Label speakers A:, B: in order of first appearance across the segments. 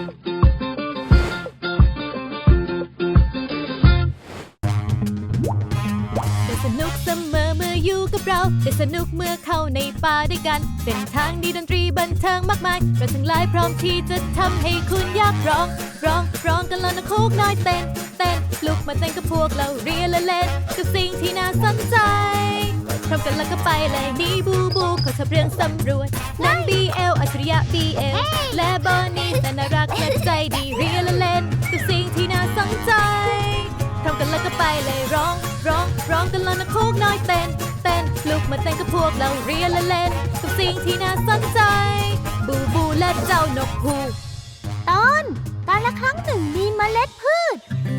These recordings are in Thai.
A: สนุกเสมอเมื่ออยู่กับเราแต่สนุกเมื่อเข้าในป่าด้วยกันเส้นทางดีดนตรีบันเทิงมากมายเราทั้งหลายพร้อมที่จะทำให้คุณอยากร้องกันแล้วนะโคกน้อยเต้นลุกมาเต้นกับพวกเราเรียนและเล่นกับสิ่งที่น่าสนใจพร้อมกันแล้วก็ไปเลยนี่บูขอทำเรื่องสำรวจน้อง BL อัจฉริยะ BL และบอนนี่แสนน่ารักและใจดีเรียนและเล่นกับสิ่งที่น่าสนใจพร้อมกันแล้วก็ไปเลยร้องกันแล้วนะโคกน้อยเต้นลุกมาเต้นกับพวกเราเรียนและเล่นกับสิ่งที่น่าสนใจบูและเจ้านกฮูก
B: ตอนกาลครั้งหนึ่งมีเมล็ดพืช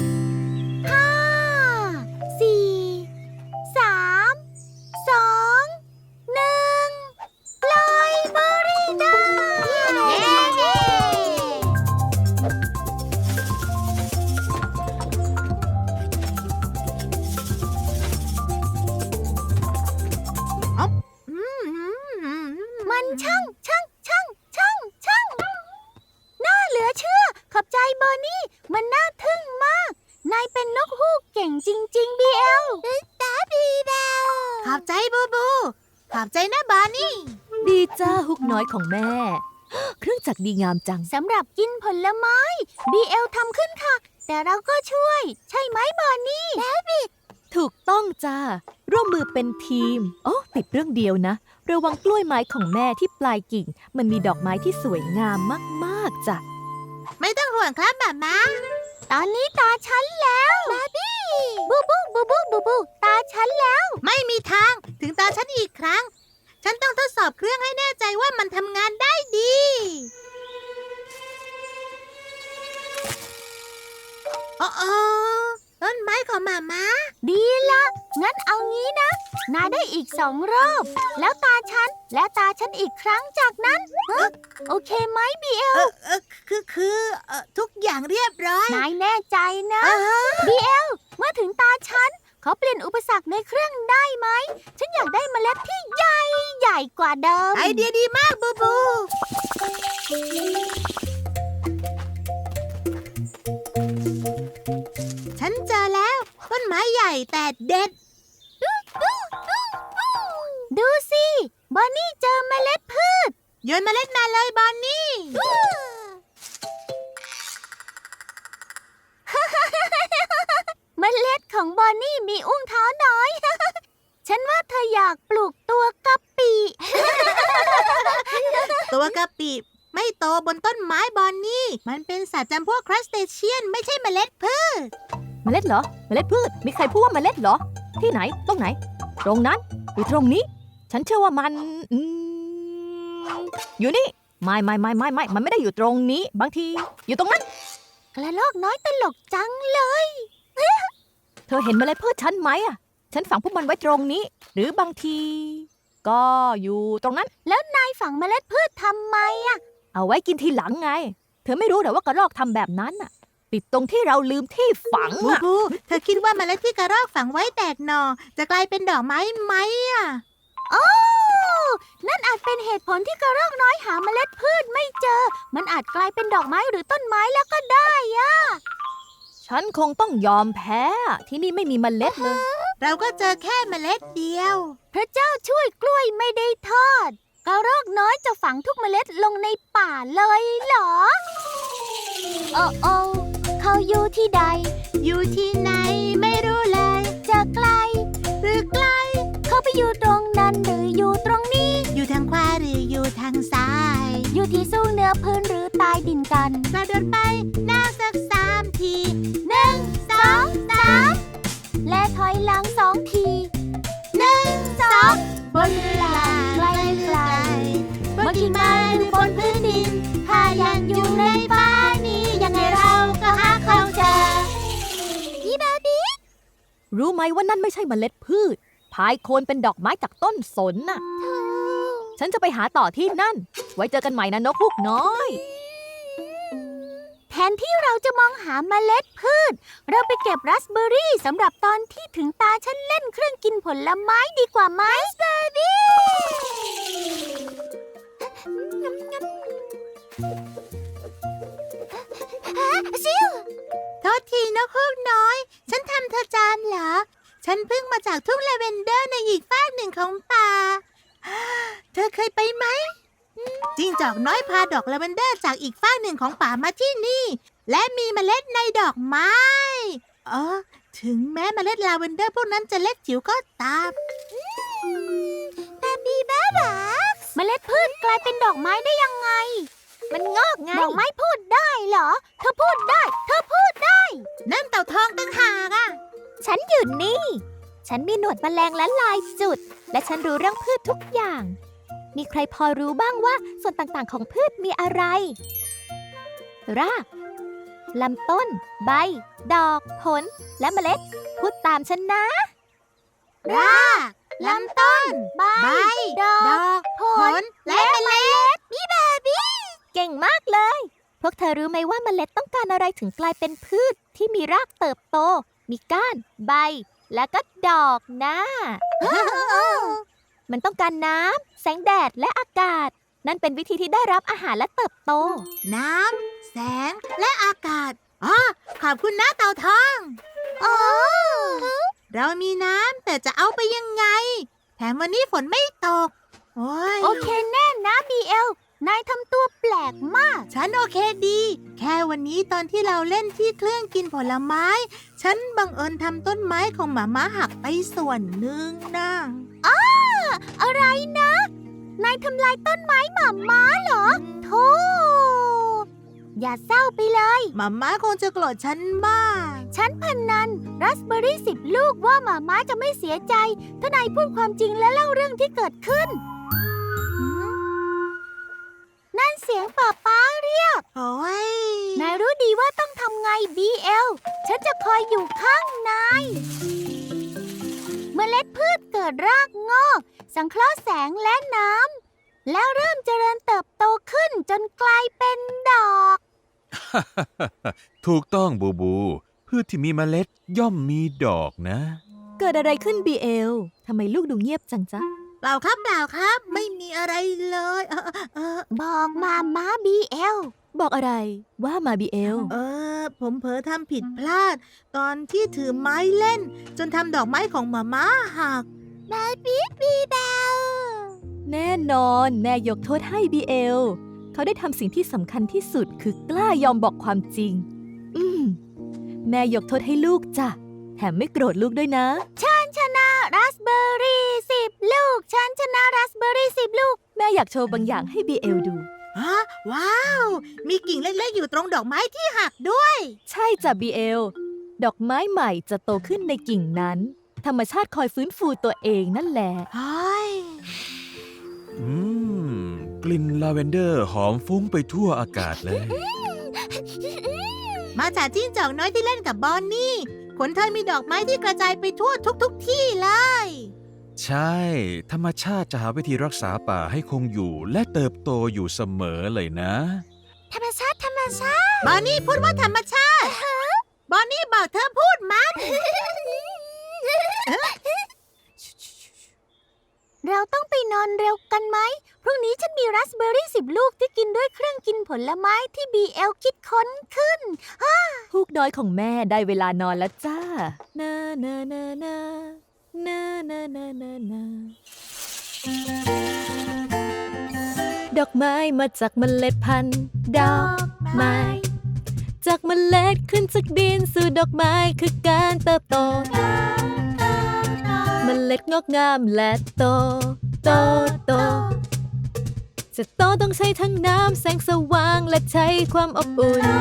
B: 5 4 3 2 1ปล่อยเบอร์รี่ได้มันช่างน่าเหลือเชื่อขอบใจเบอร์นี่มันน่าทึ่งมากนายเป็นนกฮูกเก่งจริงๆ BL ตาบีเบลขอบใจบูขอบใจนะบาร์นี่
A: ดีจ้าฮุกน้อยของแม่เครื่องจักรดีงามจัง
B: สำหรับกินผลไม้ BL ทำขึ้นค่ะแต่เราก็ช่วยใช่ไหมบาร์นี่
A: ถูกต้องจ้าร่วมมือเป็นทีมติดเรื่องเดียวนะระวังกล้วยไม้ของแม่ที่ปลายกิ่งมันมีดอกไม้ที่สวยงามมากๆจ้ะ
B: ไม่ต้องห่วงครับม่าตอนนี้ตาฉันแล้วบาร์บี้บูตาฉันแล้วไม่มีทางถึงตาฉันอีกครั้งฉันต้องทดสอบเครื่องให้แน่ใจว่ามันทำงานได้ดีต้นไม้ของม่าดีละงั้นเอางี้นะนายได้อีก2 รอบแล้วตาฉันและตาฉันอีกครั้งจากนั้นโอเคไหม BL คือทุกอย่างเรียบร้อยนายแน่ใจนะ BL เมื่อถึงตาฉันขอเปลี่ยนอุปสรรคในเครื่องได้ไหมฉันอยากได้เมล็ดที่ใหญ่กว่าเดิมไอเดียดีมากบูฉันเจอแล้วต้นไม้ใหญ่แต่เด็ดดูสิบอนนี่เจอเมล็ดพืชโยนเมล็ดมาเลยบอนนี่เมล็ดของบอนนี่มีอุ้งเท้าน้อย ฉันว่าเธออยากปลูกตัวกะปิ ตัวกะปิไม่โตบนต้นไม้บอนนี่มันเป็นสัตว์จำพวกครัสเตเชียนไม่ใช่เมล็ดพืช
A: เมล็ดเหรอเมล็ดพืชมีใครพูดว่าเมล็ดเหรอที่ไหนตรงไหนตรงนั้นหรือตรงนี้ฉันเชื่อว่ามันอยู่นี่ไม่มันไม่ได้อยู่ตรงนี้บางทีอยู่ตรงนั้น
B: กระรอกน้อยตลกจังเลย
A: เธอเห็นเมล็ดพืชฉันไหมฉันฝังพวกมันไว้ตรงนี้หรือบางทีก็อยู่ตรงนั้น
B: แล้วนายฝังเมล็ดพืชทำไม
A: เอาไว้กินทีหลังไงเธอไม่รู้เหรอว่ากระรอกทำแบบนั้นติดตรงที่เราลืมที่ฝัง
B: บูเธอคิดว่าเมล็ดที่กระรอกฝังไว้แตกหน่อจะกลายเป็นดอกไม้ไหมโอ้นั่นอาจเป็นเหตุผลที่กระรอกน้อยหาเมล็ดพืชไม่เจอมันอาจกลายเป็นดอกไม้หรือต้นไม้แล้วก็ได้
A: ฉันคงต้องยอมแพ้ที่นี่ไม่มีเมล็ดเลย
B: เราก็เจอแค่เมล็ดเดียวพระเจ้าช่วยกล้วยไม่ได้ทอดกระรอกน้อยจะฝังทุกเมล็ดลงในป่าเลยเหรอโอ้เขาอยู่ที่ใดอยู่ที่ไหนไม่รู้เลยจะไกลหรือไกลเขาไปอยู่ตรงนั้นหรืออยู่ตรงนี้อยู่ทางขวาหรืออยู่ทางซ้ายอยู่ที่สูงเหนือพื้นหรือใต้ดินกันกระโดดไปหน้าสัก3 ที1 2 3และถอยหลัง2 ที1 2บนเวลาไกลบนกิ่งไม้หรือบนพื้นดินถ้ายังอยู่ในป่านี้ยังไงเราก็หาเขาเจอพี่บาร์บี้
A: รู้ไหมว่านั่นไม่ใช่เมล็ดพืชพายโคนเป็นดอกไม้จากต้นสนฉันจะไปหาต่อที่นั่นไว้เจอกันใหม่นะนกฮูกน้อย
B: แทนที่เราจะมองหาเมล็ดพืชเราไปเก็บราสเบอร์รี่สำหรับตอนที่ถึงตาฉันเล่นเครื่องกินผลไม้ดีกว่าไหมราสเบอร์รี่ซิวโทษทีนะพวกน้อย ฉันทำเธอจานเหรอ ฉันเพิ่งมาจากทุ่งลาเวนเดอร์ในอีกฝากหนึ่งของป่า เธอเคยไปไหมจิ้งจอกน้อยพาดอกลาเวนเดอร์จากอีกฝากหนึ่งของป่ามาที่นี่ และมีเมล็ดในดอกไม้ถึงแม้เมล็ดลาเวนเดอร์พวกนั้นจะเล็กจิ๋วก็ตามแต่บีบ้าบักเมล็ดพืชกลายเป็นดอกไม้ได้ยังไง มันงอกไง ดอกไม้พูดได้เหรอ เธอพูดได้ เธอพูดได้ นั่นเต่าทองตั้งหากอ่ะ ฉันอยู่นี่ ฉันมีหนวดแมลงและลายจุด และฉันรู้เรื่องพืชทุกอย่าง มีใครพอรู้บ้างว่าส่วนต่างๆของพืชมีอะไร รากลำต้น ใบ ดอก ผล และเมล็ด พูดตามฉันนะ รากลำต้น ใบ ดอก ผล และเมล็ดบี้แบบบี้เก่งมากเลย พวกเธอรู้ไหมว่าเมล็ดต้องการอะไรถึงกลายเป็นพืชที่มีรากเติบโต มีก้าน ใบ และก็ดอกนะ มันต้องการน้ำ แสงแดด และอากาศ นั่นเป็นวิธีที่ได้รับอาหารและเติบโต น้ำ แสง และอากาศขอบคุณนะเต่าทองเรามีน้ำแต่จะเอาไปยังไง แถมวันนี้ฝนไม่ตก โอเคแน่นะบีเอล นายทำตัวแปลกมาก ฉันโอเคดี แค่วันนี้ตอนที่เราเล่นที่เครื่องกินผลไม้ ฉันบังเอิญทำต้นไม้ของหมาม้าหักไปส่วนหนึ่งนะอะไรนะ นายทำลายต้นไม้หมาม้าเหรอโธ่อย่าเศร้าไปเลยหมาม้าคงจะโกรธฉันมาก ฉันพนันราสเบอร์รี่10 ลูกว่าหมาม้าจะไม่เสียใจถ้านายพูดความจริงและเล่าเรื่องที่เกิดขึ้น นั่นเสียงป๊าเรียกโอ้ยนายรู้ดีว่าต้องทำไง BL ฉันจะคอยอยู่ข้างนายเมล็ดพืชเกิดรากงอกสังเคราะห์แสงและน้ำแล้วเริ่มเจริญเติบโตขึ้นจนกลายเป็นดอก
C: ถูกต้องบูบูพืชที่มีเมล็ดย่อมมีดอกนะ
A: เกิดอะไรขึ้น BL ทำไมลูกดูเงียบจังจ๊ะ
B: เปล่าครับไม่มีอะไรเลยบอกมาม้า BL
A: บอกอะไรว่ามา BL
B: ผมเผลอทำผิดพลาด ตอนที่ถือไม้เล่น จนทำดอกไม้ของหมาม้าหักบีแบล
A: แน่นอนแม่ยกโทษให้ BL เขาได้ทำสิ่งที่สำคัญที่สุดคือกล้ายอมบอกความจริง แม่ยกโทษให้ลูกจ้ะแถมไม่โกรธลูกด้วยนะ
B: ฉันชนะราสเบอร์รี่10 ลูกฉันชนะราสเบอร์รี่10 ลูก
A: แม่อยากโชว์บางอย่างให้ BL ดู
B: ว้าวมีกิ่งเล็กๆอยู่ตรงดอกไม้ที่หักด้วย
A: ใช่จ้ะ BL ดอกไม้ใหม่จะโตขึ้นในกิ่งนั้นธรรมชาติคอยฟื้นฟูตัวเองนั่นแหละ
C: กลิ่นลาเวนเดอร์หอมฟุ้งไปทั่วอากาศเลย
B: มาจากจิ้งจอกน้อยที่เล่นกับบอนนี่ขนเธอมีดอกไม้ที่กระจายไปทั่วทุกที่เลย
C: ใช่ธรรมชาติจะหาวิธีรักษาป่าให้คงอยู่และเติบโตอยู่เสมอเลยนะ
B: ธรรมชาติบอนนี่พูดว่าธรรมชาติบอนนี่บอกเธอพูดมันเราต้องไปนอนเร็วกันไหมพรุ่งนี้ฉันมีราสเบอร์รี่10 ลูกที่กินด้วยเครื่องกินผลไม้ที่ BL คิดค้นขึ้น
A: ฮูกน้อยของแม่ได้เวลานอนแล้วจ้านานานานานานานานานาดอกไม้มาจากเมล็ดพันธุ์ดอกไม้จากเมล็ดขึ้นจากดินสู่ดอกไม้คือการเติบโตเมล็ดงอกงามและโตจะโตต้องใช้ทั้งน้ำแสงสว่างและใช้ความอบอุ่น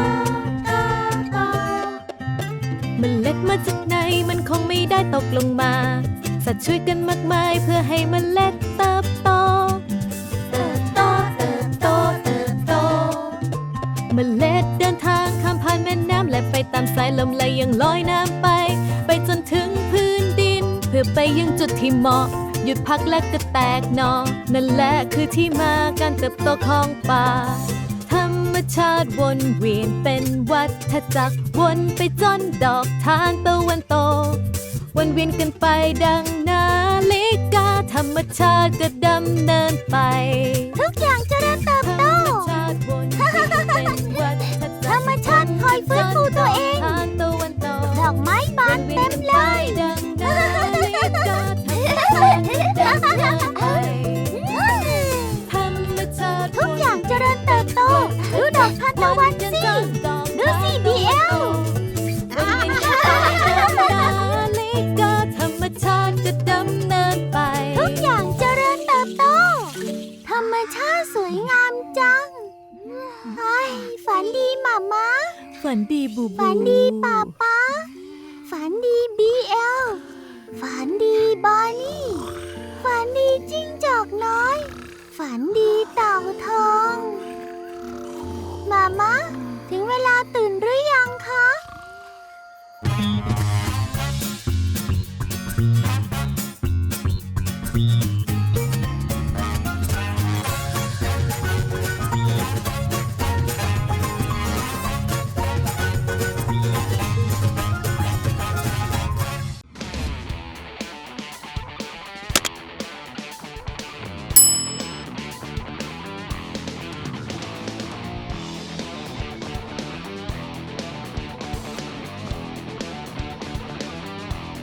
A: เมล็ดมาจากไหนมันคงไม่ได้ตกลงมาสัตว์ช่วยกันมากมายเพื่อให้เมล็ดเติบโตเมล็ดเดินทางข้ามผ่านแม่น้ำและไปตามสายลมและยังลอยน้ำไปจนถึงพื้นดินเพื่อไปยังจุดที่เหมาะหยุดพักและก็แตกหน่อนั่นแหละคือที่มาการเติบโตของป่าธรรมชาติวนเวียนเป็นวัฏจักรวนไปจนดอกทานตะวันตกวนเวียนกันไปดังนาฬิกาธรรมชาติก็ดำเนินไป
B: ทุกอย่างเจริญเติบโตธรรมชาติคอยฟื้นตะวันสิดูสิ BL
A: ธรรมชาติจะดำเนินไป
B: ทุกอย่างเจริญเติบโต ธรรมชาติสวยงามจังเฮ้ยฝันดีหม่าม้า
A: ฝันดีบูบู
B: ฝันดีป๊าป๊าฝันดี BL ฝันดีบอนนี่ฝันดีจิ้งจอกน้อย ฝันดีเต่าทองหม่าม้าถึงเวลาตื่นหรือ